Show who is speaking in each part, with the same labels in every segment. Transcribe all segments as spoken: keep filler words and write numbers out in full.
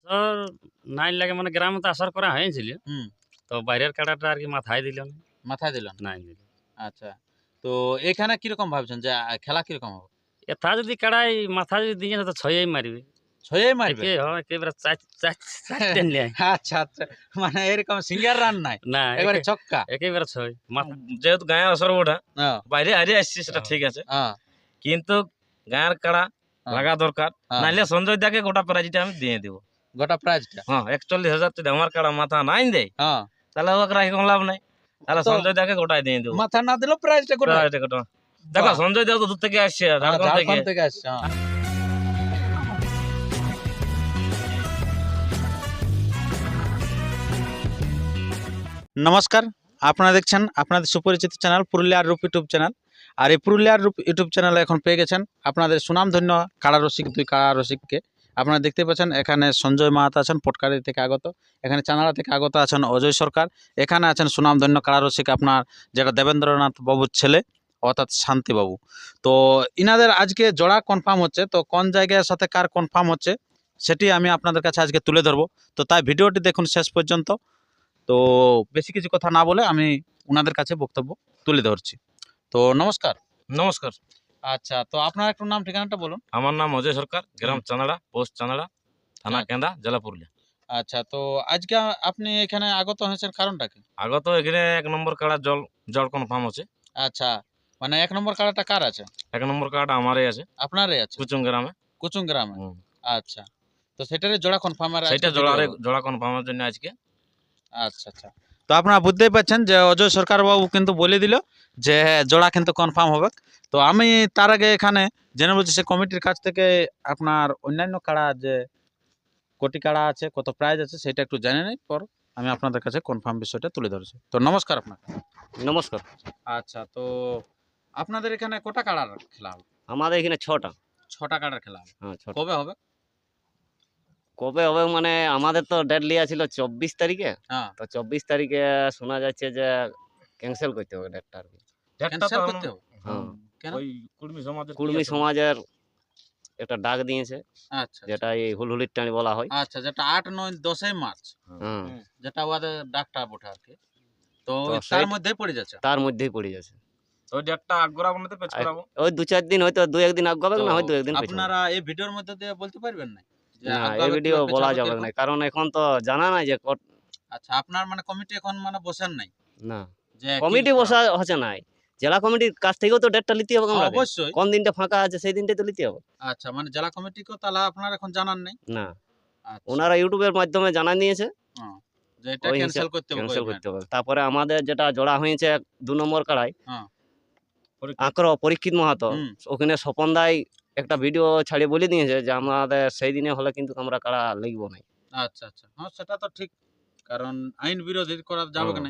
Speaker 1: তোর নাই লাগে মানে গ্রামে তো আসার করা হয়েছিল,
Speaker 2: হুম
Speaker 1: তো বাইরের কাড়াটা আর কি মাথায় দিল না,
Speaker 2: মাথায় দিল না।
Speaker 1: নাই দিল।
Speaker 2: আচ্ছা, তো এখানে কিরকম ভাবছেন যে আহ, খেলা কিরকম হবে?
Speaker 1: এথা যদি কাড়াই মাথা যদি দিয়ে তো ছয়ই মারবে,
Speaker 2: ছয়ে মারবে?
Speaker 1: একে হয় একেবারে চার চার চার টেন লিয়ায়।
Speaker 2: আচ্ছা আচ্ছা, মানে এরকম সিঙ্গার রান নাই,
Speaker 1: না
Speaker 2: এবারে
Speaker 1: একে-
Speaker 2: ছক্কা।
Speaker 1: একেবারে ছয় মাথা।
Speaker 3: যেহেতু গায়ের আসর ওটা
Speaker 2: হ্যাঁ,
Speaker 3: বাইরে হারিয়ে আসছি সেটা ঠিক আছে,
Speaker 2: হ্যাঁ,
Speaker 3: কিন্তু গায়ের কাড়া
Speaker 2: হ্যাঁ,
Speaker 3: লাগা দরকার,
Speaker 2: হ্যাঁ।
Speaker 3: নাইলে সঞ্জয় দাকে গোটা প্রাইজটা আমি দিয়ে দেবো।
Speaker 2: গোটা প্রাইজটা।
Speaker 3: হ্যাঁ, একচল্লিশ হাজার যদি আমার কাড়া মাথা নাই দেয়
Speaker 2: হ্যাঁ,
Speaker 3: তাহলে ওকে রাখি কোনো লাভ নাই, তাহলে
Speaker 2: তো
Speaker 3: সঞ্জয় দাকে গোটাই দিয়ে দেবো।
Speaker 2: মাথা না দিলেও প্রাইজটা গোটা।
Speaker 3: প্রাইজটা গোটা। দেখো
Speaker 2: বাহ।
Speaker 3: সঞ্জয় দা তো দূর থেকে আসছে
Speaker 2: হ্যাঁ,
Speaker 3: ঝাড়খণ্ড থেকে।
Speaker 2: ঝাড়খণ্ড থেকে আসছে। হ্যাঁ। নমস্কার, আপনারা দেখছেন আপনাদের সুপরিচিত চ্যানেল পুরুলিয়ার রূপ ইউটিউব চ্যানেল। আর এই পুরুলিয়ার রূপ ইউটিউব চ্যানেলে এখন পেয়ে গেছেন আপনাদের সুনামধন্য কাড়া রসিক, দুই কাড়া রসিককে। আপনারা দেখতে পাচ্ছেন এখানে সঞ্জয় মাহাতো আছেন পটকারি থেকে আগত, এখানে চানাড়া থেকে আগত আছেন অজয় সরকার, এখানে আছেন সুনামধন্য কাড়া রসিক আপনার যেটা দেবেন্দ্রনাথ বাবুর ছেলে অর্থাৎ শান্তিবাবু। তো ইনাদের আজকে জোড়া কনফার্ম হচ্ছে, তো কোন জায়গার সাথে কার কনফার্ম হচ্ছে সেটি আমি আপনাদের কাছে আজকে তুলে ধরবো। তো তাই ভিডিওটি দেখুন শেষ পর্যন্ত। তো বেশি কিছু কথা না বলে আমি ওনাদের কাছে বক্তব্য তুলে ধরছি। তো নমস্কার।
Speaker 3: নমস্কার,
Speaker 2: আচ্ছা, তো আপনার একটু নাম ঠিকানাটা বলুন।
Speaker 3: আমার নাম অজয় সরকার, গ্রাম চানাড়া, পোস্ট চানাড়া, থানা
Speaker 2: আচ্ছা।
Speaker 3: কেন্দা, জেলা পুরুলিয়া।
Speaker 2: আচ্ছা, তো আজকে আপনি এখানে আগত হয়েছেন কারণটা কি?
Speaker 3: আগত এখানে এক নম্বর কাড়া জল জল কনফার্ম হচ্ছে।
Speaker 2: আচ্ছা, মানে এক নম্বর কাড়াটা কার আছে?
Speaker 3: এক নম্বর কাড়াটা আমারই আছে,
Speaker 2: আপনারই আছে,
Speaker 3: কুচুং গ্রামে।
Speaker 2: কুচুং গ্রামে।
Speaker 3: হুম।
Speaker 2: আচ্ছা, তো সেটারই জোড়া কনফার্ম আর
Speaker 3: সেইটা জোড়ারে জোড়া কনফার্মের জন্য আজকে।
Speaker 2: আচ্ছা আচ্ছা, তো আপনারা বুঝতেই পারছেন যে অজয় সরকার বাবু কিন্তু বলে দিল যে হ্যাঁ, জোড়া কিন্তু কনফার্ম হবে। তো আমি তার আগে এখানে জেনে বলছি সে কমিটির কাছ থেকে আপনার অন্যান্য কাড়া যে কোটি কাড়া আছে, কত প্রাইজ আছে সেটা একটু জেনে নেই, পর আমি আপনাদের কাছে কনফার্ম বিষয়টা তুলে ধরছি। তো নমস্কার আপনাকে।
Speaker 1: নমস্কার।
Speaker 2: আচ্ছা, তো আপনাদের এখানে কটা কাড়ার খেলা হবে?
Speaker 1: আমাদের এখানে ছটা।
Speaker 2: ছটা কাড়ার খেলা হবে।
Speaker 1: হ্যাঁ ছটা।
Speaker 2: কবে হবে?
Speaker 1: কবে হবে মানে আমাদের তো ডেট লিয়া ছিল চব্বিশ তারিখে,
Speaker 2: হ্যাঁ,
Speaker 1: তো চব্বিশ তারিখে শোনা যাচ্ছে যে ক্যান্সেল করতে হবে ডেটটা আর কি।
Speaker 3: ডেটটা
Speaker 2: ক্যান্সেল
Speaker 3: তো
Speaker 2: করতে হবে।
Speaker 1: হ্যাঁ,
Speaker 2: কেন?
Speaker 3: ওই কুর্মী সমাজের কি
Speaker 1: কুর্মী
Speaker 3: আছে?
Speaker 1: সমাজের একটা ডাক দিয়েছে,
Speaker 2: আচ্ছা
Speaker 1: যেটা এই হুলহুলির টানি বলা হয়।
Speaker 2: আচ্ছা, যেটা আট নয় দশই মার্চ,
Speaker 1: হ্যাঁ,
Speaker 2: যেটা ওদের ডাকটা বটে আর কি। তো
Speaker 1: তো
Speaker 2: ওই তার
Speaker 1: সেই-
Speaker 2: মধ্যেই পড়ে যাচ্ছে।
Speaker 1: তার মধ্যেই পড়ে যাচ্ছে।
Speaker 3: ওই ডেটটা আগ্রা বানাতে পেছ
Speaker 1: আর
Speaker 3: করাবো।
Speaker 1: ওই দু চার দিন হয়তো দু একদিন আগে হবে
Speaker 2: তো
Speaker 1: না, হয় দু একদিন পেছাবে।
Speaker 2: আপনারা এই ভিডিওর মধ্যে দিয়ে বলতে পারবেন না যে
Speaker 1: না
Speaker 2: আগাবে
Speaker 1: এই ভিডিও
Speaker 2: কিংবা
Speaker 1: বলা
Speaker 2: পেছাবে
Speaker 1: যাবে
Speaker 2: কিরকম?
Speaker 1: না, কারণ এখন তো জানা নাই যে কত।
Speaker 2: আচ্ছা, আপনার মানে কমিটি এখন মানে বসেন নাই
Speaker 1: না
Speaker 2: যে কি
Speaker 1: কমিটি
Speaker 2: করা
Speaker 1: বসা
Speaker 2: হবে?
Speaker 1: হচ্ছে নাই, জেলা কমিটির কাছ থেকেও তো ডেটটা নিতে হবে
Speaker 2: হ্যাঁ,
Speaker 1: আমাদের।
Speaker 2: অবশ্যই।
Speaker 1: কোন দিনটা ফাঁকা আছে সেই দিনটাই তো নিতে হবে।
Speaker 2: আচ্ছা, মানে জেলা কমিটিকেও তাহলে আপনার এখন জানান নাই?
Speaker 1: না,
Speaker 2: আচ্ছা,
Speaker 1: ওনারা ইউটিউবের মাধ্যমে জানা নিয়েছে
Speaker 2: হ্যাঁ, যে এটা
Speaker 1: ওই
Speaker 2: ক্যান্সেল
Speaker 1: হিসাব
Speaker 2: করতে হবে
Speaker 1: ক্যান্সেল
Speaker 2: কইবেন।
Speaker 1: করতে হবে। তারপরে আমাদের যেটা জোড়া হয়েছে দু নম্বর কাড়াই
Speaker 2: হ্যাঁ,
Speaker 1: আঁকড়ো পরীক্ষিত মাহাতো,
Speaker 2: হুম,
Speaker 1: ওখানে স্বপন দাই একটা ভিডিও ছাড়িয়ে বলে দিয়েছে যে আমাদের সেই দিনে হলে কিন্তু আমরা কাড়া লিখবো না।
Speaker 2: আচ্ছা আচ্ছা, হ্যাঁ সেটা তো ঠিক, কারণ আইন বিরোধী করা যাবে কি
Speaker 1: হ্যাঁ।
Speaker 2: নাই।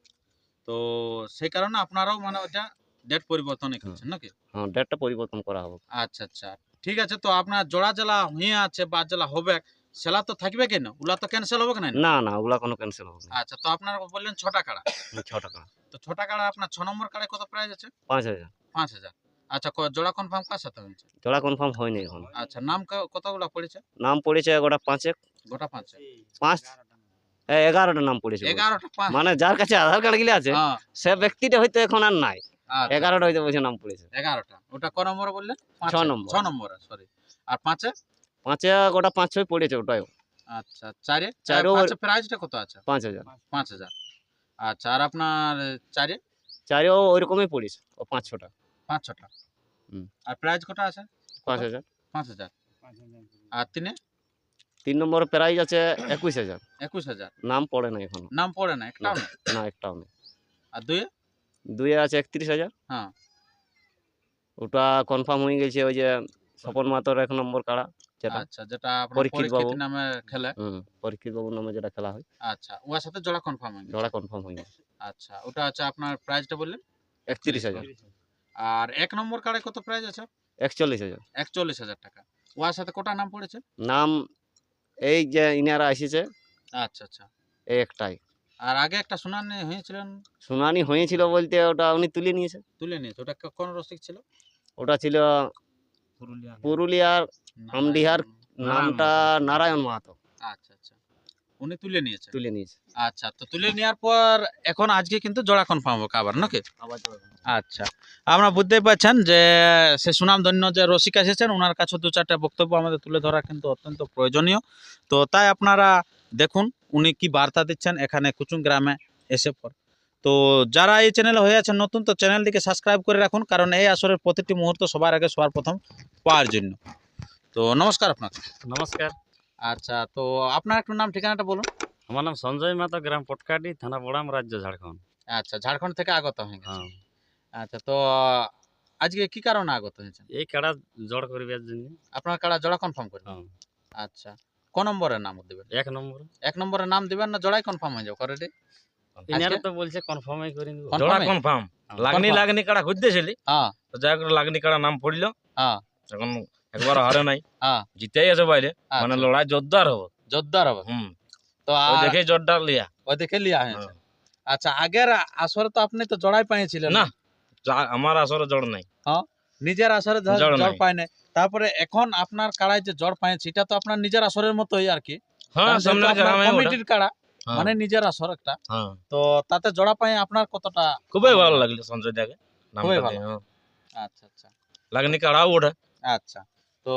Speaker 2: তো সেই কারণে আপনারাও মানে ওটা ডেট পরিবর্তনই করছেন নাকি?
Speaker 1: হ্যাঁ ডেটটা পরিবর্তন করা হবে।
Speaker 2: আচ্ছা আচ্ছা, ঠিক আছে। তো আপনার জোড়া জেলা হইয়া আছে বা জেলা হবে, সেলা তো থাকবে কেন? ওলা তো ক্যান্সেল হবে কেন?
Speaker 1: না না ওগুলা কোনো ক্যান্সেল হবে না।
Speaker 2: আচ্ছা, তো আপনারা বললেন ছটা কাড়া,
Speaker 1: ছ টাকা
Speaker 2: তো ছটা কাড়া আপনার ছ নম্বর কাড়ায় কত প্রাইস আছে?
Speaker 1: পাঁচ হাজার।
Speaker 2: পাঁচ হাজার। আচ্ছা, ক- জোড়া কনফার্ম কার সাথে হয়েছে?
Speaker 1: জোড়া কনফার্ম হয়নি এখন।
Speaker 2: আচ্ছা, নাম ক- কতগুলা পড়েছে?
Speaker 1: নাম পড়েছে গোটা পাঁচেক,
Speaker 2: গোটা পাঁচ
Speaker 1: পাঁচ এ, এগারোটা নাম পড়েছে বলছে।
Speaker 2: এগারোটা পাঁচ
Speaker 1: মানে যার কাছে আধার কার্ড গুলি আছে
Speaker 2: হ্যাঁ,
Speaker 1: সে ব্যক্তিটা হয়তো এখন আর নাই,
Speaker 2: আচ্ছা,
Speaker 1: এগারোটা হয়তো বলছে নাম পড়েছে।
Speaker 2: এগারোটা। ওটা ক নম্বরে বললেন? পাঁচে?
Speaker 1: ছ নম্বর।
Speaker 2: ছ নম্বরে, সরি। আর পাঁচে?
Speaker 1: পাঁচে গোটা পাঁচ ছয় পড়েছে ওটাই
Speaker 2: আচ্ছা, চারে?
Speaker 1: চারেও
Speaker 2: পাঁচে প্রাইসটা কত আছে?
Speaker 1: পাঁচ হাজার।
Speaker 2: পাঁচ হাজার। আচ্ছা, আর আপনার চারে?
Speaker 1: চারেও ওইরকমই পড়েছে, ও পাঁচ ছটা।
Speaker 2: পাঁচ ছটা।
Speaker 1: হুম।
Speaker 2: আর প্রাইস কটা আছে?
Speaker 1: পাঁচ হাজার।
Speaker 2: পাঁচ হাজার। আর তিনে?
Speaker 1: তিন নম্বর প্রাইজ আছে একুশ হাজার,
Speaker 2: একুশ হাজার।
Speaker 1: নাম পড়ে না এখনো।
Speaker 2: নাম পড়ে না, একটাও না?
Speaker 1: না একটাও নেই।
Speaker 2: আর দুয়ে?
Speaker 1: দুইয়ে আছে একত্রিশ হাজার,
Speaker 2: হ্যাঁ,
Speaker 1: ওটা কনফার্ম হয়ে গেছে ওই যে স্বপন মাতর এক নম্বর কাড়া যেটা।
Speaker 2: আচ্ছা, যেটা আপনার
Speaker 1: পরীক্ষিত
Speaker 2: পরীক্ষিত
Speaker 1: বাবু।
Speaker 2: নামে খেলে।
Speaker 1: হুম, পরীক্ষিত বাবুর নামে যেটা খেলা হয়,
Speaker 2: আচ্ছা, ওর সাথে জোড়া কনফার্ম হয়ে গেছে।
Speaker 1: জোড়া কনফার্ম হয়ে গেছে
Speaker 2: আচ্ছা, ওটা আছে আপনার প্রাইসটা বললেন?
Speaker 1: একত্রিশ হাজার।
Speaker 2: আর এক নম্বর কার্ডে কত প্রাইস আছে?
Speaker 1: একচল্লিশ হাজার।
Speaker 2: একচল্লিশ হাজার টাকা। ওর সাথে কোটা নাম পড়েছে?
Speaker 1: নাম এই যে ইনারা এসেছে
Speaker 2: আচ্ছা আচ্ছা।
Speaker 1: এই একটাই।
Speaker 2: আর আগে একটা শুনানি হয়েছিলেন,
Speaker 1: শুনানি হয়েছিল বলতে ওটা উনি তুলে নিয়েছে।
Speaker 2: তুলে নিয়েছে। ওটা ক- কোন রসিক ছিল?
Speaker 1: ওটা ছিল
Speaker 3: পুরুলিয়া
Speaker 1: পুরুলিয়ার আমডিহার,
Speaker 2: নারায়ণ।
Speaker 1: নামটা নারায়ণ মাহাতো।
Speaker 2: আচ্ছা আচ্ছা, উনি তুলে নিয়েছে।
Speaker 1: তুলে নিয়েছে
Speaker 2: আচ্ছা, তো তুলে নেওয়ার পর এখন আজকে কিন্তু জোড়া কনফার্ম হবে আবার নাকি?
Speaker 1: আবার
Speaker 2: আচ্ছা, আমরা বুঝতেই পারছেন যে সে সুনামধন্য যে রসিক এসেছেন, ওনার কাছে দু চারটা বক্তব্য আমাদের তুলে ধরা কিন্তু অত্যন্ত প্রয়োজনীয়। তো তাই আপনারা দেখুন উনি কি বার্তা দিচ্ছেন এখানে কুচুং গ্রামে এসে পর। তো যারা এই চ্যানেলে হয়ে আছেন নতুন, তো চ্যানেলটিকে সাবস্ক্রাইব করে রাখুন, কারণ এই আসরের প্রতিটি মুহূর্ত সবার আগে সবার প্রথম পাওয়ার জন্য। তো নমস্কার আপনাকে।
Speaker 3: নমস্কার,
Speaker 2: আচ্ছা, তো আপনার একটু নাম ঠিকানাটা বলুন।
Speaker 3: আমার নাম সঞ্জয় মাতো, গ্রাম পটকাটি, থানা বড়াম, রাজ্য ঝাড়খণ্ড।
Speaker 2: আচ্ছা, ঝাড়খণ্ড থেকে আগত হয়ে গেছে।
Speaker 3: হ্যাঁ,
Speaker 2: আচ্ছা, তো আজকে কি কারণে আগত হয়েছেন?
Speaker 3: এই কাড়া জড় করিবার জন্য।
Speaker 2: আপনার কাড়া জোড়া কনফার্ম করবেন?
Speaker 3: হ্যাঁ,
Speaker 2: আচ্ছা, ক নম্বরের নাম দিবেন?
Speaker 3: এক নম্বর।
Speaker 2: এক নম্বরের নাম দিবেন না জোড়াই কনফার্ম হয়ে যাবে অলরেডি?
Speaker 3: ইনারা তো বলছে কনফার্মই করে নিব।
Speaker 2: Confirm
Speaker 3: জোড়া
Speaker 2: এ?
Speaker 3: কনফার্ম। লাগনি
Speaker 2: Confirm?
Speaker 3: লাগনি কাড়া খুঁজতেছিলি,
Speaker 2: হ্যাঁ
Speaker 3: তো যাই হোক লাগনি কাড়া নাম পড়লো।
Speaker 2: হ্যাঁ
Speaker 3: এখন একবার হারে নাই,
Speaker 2: হ্যাঁ,
Speaker 3: জিতেই আছে বাইরে, মানে
Speaker 2: আচ্ছা,
Speaker 3: লড়াই জোরদার হবে।
Speaker 2: জোরদার হবে।
Speaker 3: হুম,
Speaker 2: তো
Speaker 3: ওই
Speaker 2: আর
Speaker 3: দেখে জোরদার লিয়া।
Speaker 2: ওই দেখে লিয়া হয়েছে। আচ্ছা, আগের আসরে তো আপনি তো জড়াই পাইছিলেন
Speaker 3: না, যা- আমার আসরে জড় নাই।
Speaker 2: নিজের আসরে জ-
Speaker 3: জড়
Speaker 2: জড়
Speaker 3: নাই।
Speaker 2: পায় নাই, তারপরে এখন আপনার কাড়ায় যে জড় পাইছে এটা তো আপনার নিজের আসরের মতোই আর কি,
Speaker 3: হ্যাঁ,
Speaker 2: কারণ যেহেতু
Speaker 3: সামনে
Speaker 2: আপনার
Speaker 3: গ্রামে ওটা।
Speaker 2: কমিটির কাড়া,
Speaker 3: হ্যাঁ,
Speaker 2: মানে নিজের আসর একটা,
Speaker 3: হ্যাঁ,
Speaker 2: তো তাতে জড়া পাই আপনার কতটা?
Speaker 3: খুবই ভালো লাগলো সঞ্জয় দাকে নামটা
Speaker 2: খুবই
Speaker 3: দিয়ে,
Speaker 2: ভালো।
Speaker 3: হ্যাঁ।
Speaker 2: আচ্ছা আচ্ছা
Speaker 3: লাগনি কাড়াও ওঠে।
Speaker 2: আচ্ছা, তো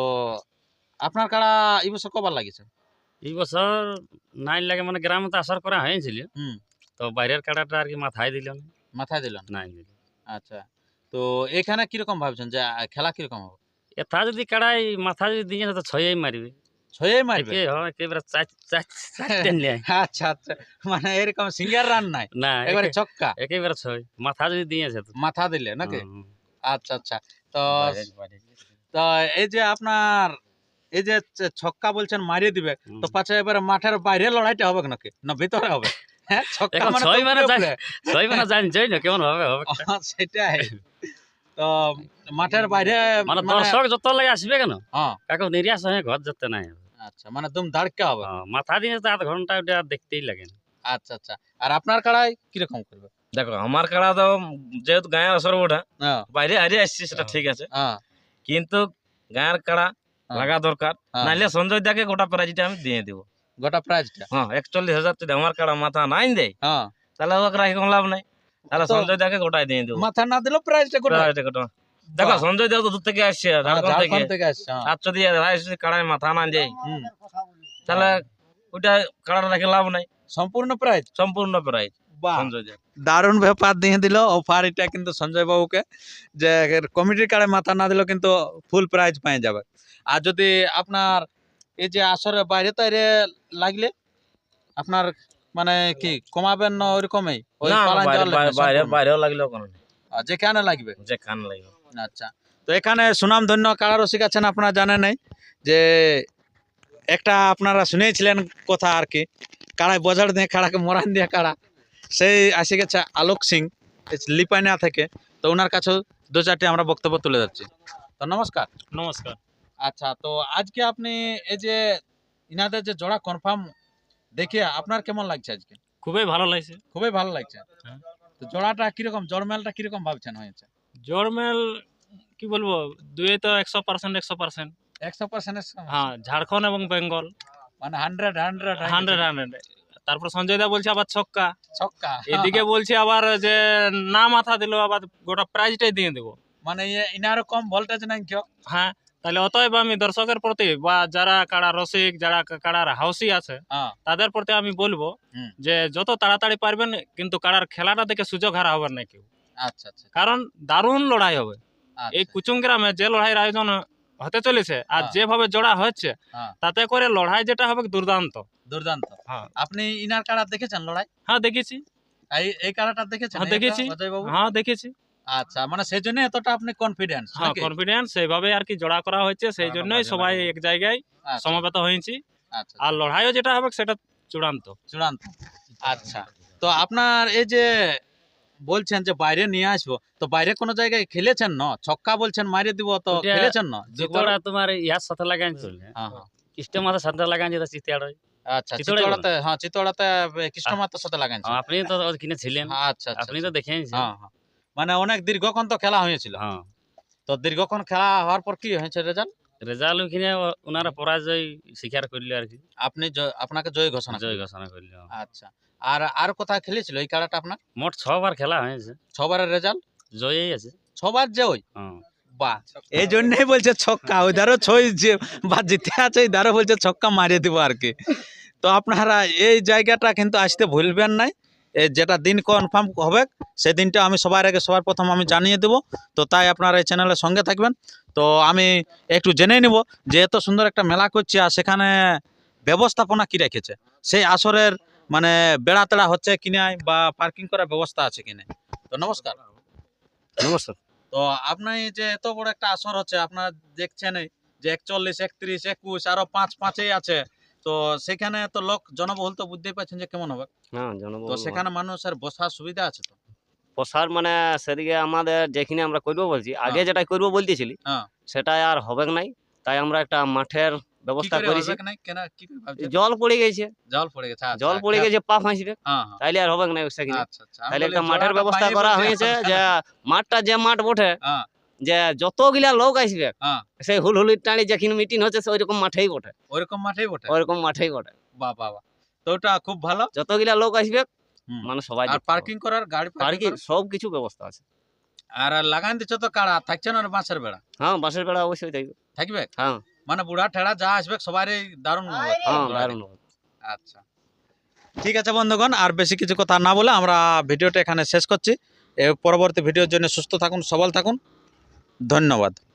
Speaker 2: আপনার কাড়া এই বছর কবার লাগিয়েছে?
Speaker 3: এই বছর নাই লাগে, মানে গ্রামে তো আসার করা হয়েছিল,
Speaker 2: হুম,
Speaker 3: তো বাইরের কাড়াটা আর কি মাথায় দিল না।
Speaker 2: মাথায় দিলেন?
Speaker 3: নাই দিল।
Speaker 2: আচ্ছা, তো এখানে কিরকম ভাবছেন যে আহ, খেলা কিরকম হবে?
Speaker 3: এথা যদি কাড়াই মাথা যদি দিয়ে তো ছয়ই মারবে।
Speaker 2: ছয়ে মারবে?
Speaker 3: একে হয় একেবারে চার চার চারটে নেয়।
Speaker 2: আচ্ছা আচ্ছা, মানে এরকম সিঙ্গার রান নাই,
Speaker 3: না,
Speaker 2: এবারে
Speaker 3: একে-
Speaker 2: ছক্কা
Speaker 3: একেবারে ছয় মাথা যদি দিয়েছে তো।
Speaker 2: মাথা দিলে নাকি?
Speaker 3: হুম,
Speaker 2: আচ্ছা আচ্ছা, তো
Speaker 3: বাইরে- বাইরে।
Speaker 2: তো এই যে আপনার এই যে চ- ছক্কা বলছেন মারিয়ে দিবে,
Speaker 3: হুম।
Speaker 2: তো পাছে এবারে মাঠের বাইরে লড়াইটা হবে নাকি না ভিতরে হবে? হ্যাঁ, ছক্কা
Speaker 3: এখন
Speaker 2: মানে
Speaker 3: ছয়
Speaker 2: তো
Speaker 3: মানে
Speaker 2: উপরে
Speaker 3: যায়-
Speaker 2: উপরে।
Speaker 3: ছয় মানে জানছই না কেমন হবে হবে।
Speaker 2: হ্যাঁ, সেটাই তো মাঠের বাইরে
Speaker 3: মানে
Speaker 2: মানে
Speaker 3: দর্শক যত লাগে আসবে কেন,
Speaker 2: হ্যাঁ,
Speaker 3: কাকু নিরাশ হয়ে ঘর যেতে নাই।
Speaker 2: আচ্ছা, মানে দুম ধাড়কা হবে।
Speaker 3: হ্যাঁ, মাথা দিয়ে তো আধ ঘন্টা ওটা আর দেখতেই লাগে না।
Speaker 2: আচ্ছা আচ্ছা, আর আপনার কাড়াই কিরকম করবে?
Speaker 3: দেখো আমার কাড়া তো যেহেতু গায়ের আসর ওঠা,
Speaker 2: হ্যাঁ
Speaker 3: বাইরে হারিয়ে আসছে সেটা ঠিক আছে,
Speaker 2: হ্যাঁ
Speaker 3: কিন্তু গায়ের কাড়া
Speaker 2: হ্যাঁ।
Speaker 3: লাগা দরকার,
Speaker 2: হ্যাঁ।
Speaker 3: নাইলে সঞ্জয় দাকে গোটা প্রাইজটা আমি দিয়ে দিব।
Speaker 2: গোটা প্রাইজটা?
Speaker 3: হ্যাঁ, একচল্লিশ হাজার যদি আমার কাড়া মাথা নাই দেয়,
Speaker 2: হ্যাঁ,
Speaker 3: তাহলে ওকে রাখি কোনো লাভ নাই, তাহলে
Speaker 2: তো
Speaker 3: সঞ্জয় দাকে গোটাই দিয়ে দেবো।
Speaker 2: মাথা না দিলেও প্রাইজটা গোটা?
Speaker 3: প্রাইজটা গোটা। দেখো
Speaker 2: বাহ।
Speaker 3: সঞ্জয় দেও তো দূর থেকে আসছে,
Speaker 2: হ্যাঁ,
Speaker 3: ঝাড়খণ্ড থেকে,
Speaker 2: ঝাড়খণ্ড থেকে আসছে। হ্যাঁ।
Speaker 3: আর যদি ভাই যদি কাড়ায় মাথা না দেয়,
Speaker 2: হুম,
Speaker 3: তাহলে ওইটা কাড়াটা রাখে লাভ নাই,
Speaker 2: সম্পূর্ণ প্রাইজ?
Speaker 3: সম্পূর্ণ প্রাইজ
Speaker 2: বাহ,
Speaker 3: সঞ্জয় দা।
Speaker 2: দারুণ ব্যাপার দিয়ে দিল অফার এটা কিন্তু সঞ্জয় বাবুকে, যে কমিটির কার্ডে মাথা না দিলেও কিন্তু ফুল প্রাইজ পেয়ে যাবে। আর যদি আপনার এই যে আসরে বাইরে তাইরে লাগলে আপনার মানে কি কমাবেন না ওইরকমই? ওই
Speaker 3: না,
Speaker 2: পালান
Speaker 3: বাইরে
Speaker 2: যাওয়ার লাগবে
Speaker 3: বাইরে
Speaker 2: সম্পূর্ণ?
Speaker 3: বাইরেও লাগলেও কোনো নেই,
Speaker 2: আর যেখানে লাগবে?
Speaker 3: যে খান লাগবে।
Speaker 2: আচ্ছা, তো এখানে সুনামধন্য কাড়া রসিক আছেন, আপনারা জানেন নাই যে একটা আপনারা শুনেছিলেন কথা আর কি, কাড়ায় বজার দিয়ে কাড়াকে মরান দিয়ে কাড়া, সেই আসে গেছে আলোক সিং লিপাইনা থেকে। তো ওনার কাছেও দু চারটি আমরা বক্তব্য তুলে যাচ্ছি। তো নমস্কার।
Speaker 3: নমস্কার।
Speaker 2: আচ্ছা, তো আজকে আপনি এই যে ইনাদের যে জোড়া কনফার্ম দেখে আপনার কেমন লাগছে আজকে?
Speaker 3: খুবই ভালো লাগছে।
Speaker 2: খুবই ভালো লাগছে।
Speaker 3: হ্যাঁ।
Speaker 2: তো জোড়াটা কিরকম, জড়মেলটা কিরকম ভাবছেন হয়েছে?
Speaker 4: জড়মেল কি বলবো, দুয়ে তো একশো পার্সেন্ট একশো পার্সেন্ট।
Speaker 2: একশো পার্সেন্ট?
Speaker 4: হ্যাঁ, ঝাড়খণ্ড এবং বেঙ্গল
Speaker 2: মানে হান্ড্রেড হান্ড্রেড
Speaker 4: হান্ড্রেড হান্ড্রেড। তারপর সঞ্জয় দা বলছে আবার ছক্কা,
Speaker 2: ছক্কা,
Speaker 4: এদিকে বলছে আবার যে না মাথা দিল আবার গোটা প্রাইজটাই দিয়ে দেবো।
Speaker 2: মানে ইয়ে- ইনারও কম ভোল্টেজ নাই কেউ?
Speaker 4: হ্যাঁ, তাহলে অতএব আমি দর্শকের প্রতি বা যারা কাড়া রসিক, যারা কাড়ার হাউসি আছে,
Speaker 2: হ্যাঁ,
Speaker 4: তাদের প্রতি আমি বলবো
Speaker 2: হুম।
Speaker 4: যে যত তাড়াতাড়ি পারবেন কিন্তু কাড়ার খেলাটা দেখে সুযোগ হারা হবেন না কেউ,
Speaker 2: আচ্ছা আচ্ছা
Speaker 4: কারণ দারুণ লড়াই হবে। এই
Speaker 2: আচ্ছা,
Speaker 4: কুচুং গ্রামে যে লড়াইয়ের আয়োজন হতে চলেছে আর
Speaker 2: হ্যাঁ।
Speaker 4: যেভাবে জোড়া হচ্ছে,
Speaker 2: হ্যাঁ।
Speaker 4: তাতে করে লড়াই যেটা হবে দুর্দান্ত।
Speaker 2: দুর্দান্ত।
Speaker 4: হ্যাঁ।
Speaker 2: আপনি ইনার কাড়া দেখেছেন লড়াই?
Speaker 4: হ্যাঁ দেখেছি।
Speaker 2: এই এই কাড়াটা দেখেছেন?
Speaker 4: হ্যাঁ,
Speaker 2: এইটা,
Speaker 4: দেখেছি।
Speaker 2: অজয় বাবু?
Speaker 4: হ্যাঁ দেখেছি।
Speaker 2: আচ্ছা, মানে সেই জন্য এতটা আপনি কনফিডেন্স?
Speaker 4: হ্যাঁ, কনফিডেন্স সেইভাবে আর কি জোড়া করা হয়েছে, সেই জন্যই সবাই এক জায়গায় সমবেত হয়েছি।
Speaker 2: আচ্ছা,
Speaker 4: আর লড়াইও যেটা হবে সেটা চূড়ান্ত।
Speaker 2: চূড়ান্ত। আচ্ছা, তো আপনার এই যে বলছেন যে বাইরে নিয়ে আসবো, তো বাইরে কোনো জায়গায় খেলেছেন না? ছক্কা বলছেন মারিয়ে দিব, তো
Speaker 3: ওটা-
Speaker 2: খেলেছেন না?
Speaker 3: চিতোড়া তোমার ইয়ার সাথে লাগাই চলবে,
Speaker 2: হ্যাঁ, হ্যাঁ।
Speaker 3: কৃষ্ণ মাথার সাথে লাগাই যেটা চিতিয়াড়।
Speaker 2: আচ্ছা,
Speaker 3: চিতোড়াই
Speaker 2: চিতোড়াতে, হ্যাঁ চিতোড়াতে কৃষ্ণ মাতার সাথে লাগাইছেন?
Speaker 3: আপনি তো ওখানে ছিলেন,
Speaker 2: আচ্ছা আচ্ছা,
Speaker 3: আপনি তো দেখেন।
Speaker 2: হ্যাঁ হ্যাঁ, মানে অনেক দীর্ঘক্ষণ তো খেলা হয়েছিল।
Speaker 3: হ্যাঁ,
Speaker 2: তো দীর্ঘক্ষণ খেলা হওয়ার পর কি হয়েছে রেজাল্ট?
Speaker 4: রেজাল্ট ওখানে ও- ওনারা পরাজয় স্বীকার করলো আর কি,
Speaker 2: আপনি জ- আপনাকে জয় ঘোষণা
Speaker 4: জয়
Speaker 2: করলেন।
Speaker 4: ঘোষণা করলো।
Speaker 2: আচ্ছা, আর আর কোথায় খেলেছিল এই খেলাটা আপনার?
Speaker 4: মোট ছবার খেলা হয়েছে,
Speaker 2: ছবারের রেজাল্ট
Speaker 4: জয়ই আছে।
Speaker 2: ছবার জয়।
Speaker 4: হ্যাঁ,
Speaker 2: বাহ, এই জন্যই বলছে ছক্কা, ওইধারও ছয় যে বা জিতে আছে, এইধারও বলছে ছক্কা মারিয়ে দিব আর কি। তো আপনারা এই জায়গাটা কিন্তু আসতে ভুলবেন নাই, এই যেটা দিন কনফার্ম হবে সেদিনটা আমি সবার আগে সবার প্রথম আমি জানিয়ে দেব। তো তাই আপনারা এই চ্যানেলের সঙ্গে থাকবেন। তো আমি একটু জেনে নিব যে এত সুন্দর একটা মেলা করছে আর সেখানে ব্যবস্থাপনা কি রেখেছে, সেই আসরের মানে বেড়া তেড়া হচ্ছে কিনা বা পার্কিং করার ব্যবস্থা আছে কিনা। তো নমস্কার।
Speaker 1: নমস্কার।
Speaker 2: তো আপনি যে এত বড় একটা আসর হচ্ছে, আপনারা দেখছেন যে একচল্লিশ একত্রিশ একুশ আরো পাঁচ পাঁচেই আছে, তো সেখানে তো লোক জনবহুল তো বুঝতেই পারছেন যে কেমন হবে।
Speaker 1: হ্যাঁ
Speaker 2: তো
Speaker 1: জনবহুল
Speaker 2: সেখানে মানুষের বসার সুবিধা আছে তো?
Speaker 1: প্রসার মানে সেদিকে আমাদের যেখানে আমরা করবো বলছি, আগে যেটা করবো বলতেছিলি
Speaker 2: হ্যাঁ।
Speaker 1: সেটা আর হবে নাই, তাই আমরা একটা মাঠের
Speaker 2: কি
Speaker 1: ব্যবস্থা
Speaker 2: করে
Speaker 1: করেছি।
Speaker 2: হবে না কেন কি করে ভাবছেন?
Speaker 1: জল পড়ে গেছে,
Speaker 2: জল পড়ে গেছে, আচ্ছা,
Speaker 1: জল পড়ে
Speaker 2: খেয়াল-
Speaker 1: গেছে পা ফাঁসবে,
Speaker 2: হ্যাঁ হ্যাঁ,
Speaker 1: তাইলে আর হবে না সেখানে।
Speaker 2: আচ্ছা আচ্ছা, আমি
Speaker 1: তাইলে
Speaker 2: বলি
Speaker 1: একটা মাঠের
Speaker 2: জোড়াটা
Speaker 1: ব্যবস্থা
Speaker 2: পাইনি
Speaker 1: করা
Speaker 2: বলছে,
Speaker 1: হয়েছে,
Speaker 2: আপনার-
Speaker 1: যে মাঠটা যে মাঠ বটে,
Speaker 2: হ্যাঁ
Speaker 1: যে যতগুলা লোক আসবে
Speaker 2: হ্যাঁ,
Speaker 1: সেই হুলহুলির টানি যেখানে মিটিং হচ্ছে সে ওইরকম মাঠেই বটে,
Speaker 2: ওইরকম মাঠেই বটে।
Speaker 1: ওইরকম মাঠেই বটে।
Speaker 2: বাহ বাহ বাহ, তো ওটা খুব ভালো।
Speaker 1: যতগুলা লোক আসবে
Speaker 2: হুম।
Speaker 1: মানে সবাই
Speaker 2: আর পার্কিং করার গাড়ি
Speaker 1: পার্কিং
Speaker 2: পার্কিং
Speaker 1: সব কিছু ব্যবস্থা আছে।
Speaker 2: আর লাগান দিচ্ছ তো কাড়া থাকছে না বাঁশের বেড়া
Speaker 1: হ্যাঁ বাঁশের বেড়া অবশ্যই থাকবে।
Speaker 2: থাকবে,
Speaker 1: হ্যাঁ
Speaker 2: মানে বুড়া ঠেড়া যা আসবে সবারই দারুণ হবে।
Speaker 1: হ্যাঁ দারুণ হবে।
Speaker 2: আচ্ছা, ঠিক আছে বন্ধুগণ, আর বেশি কিছু কথা না বলে আমরা ভিডিওটা এখানে শেষ করছি। এ পরবর্তী ভিডিওর জন্য সুস্থ থাকুন, সবল থাকুন, ধন্যবাদ।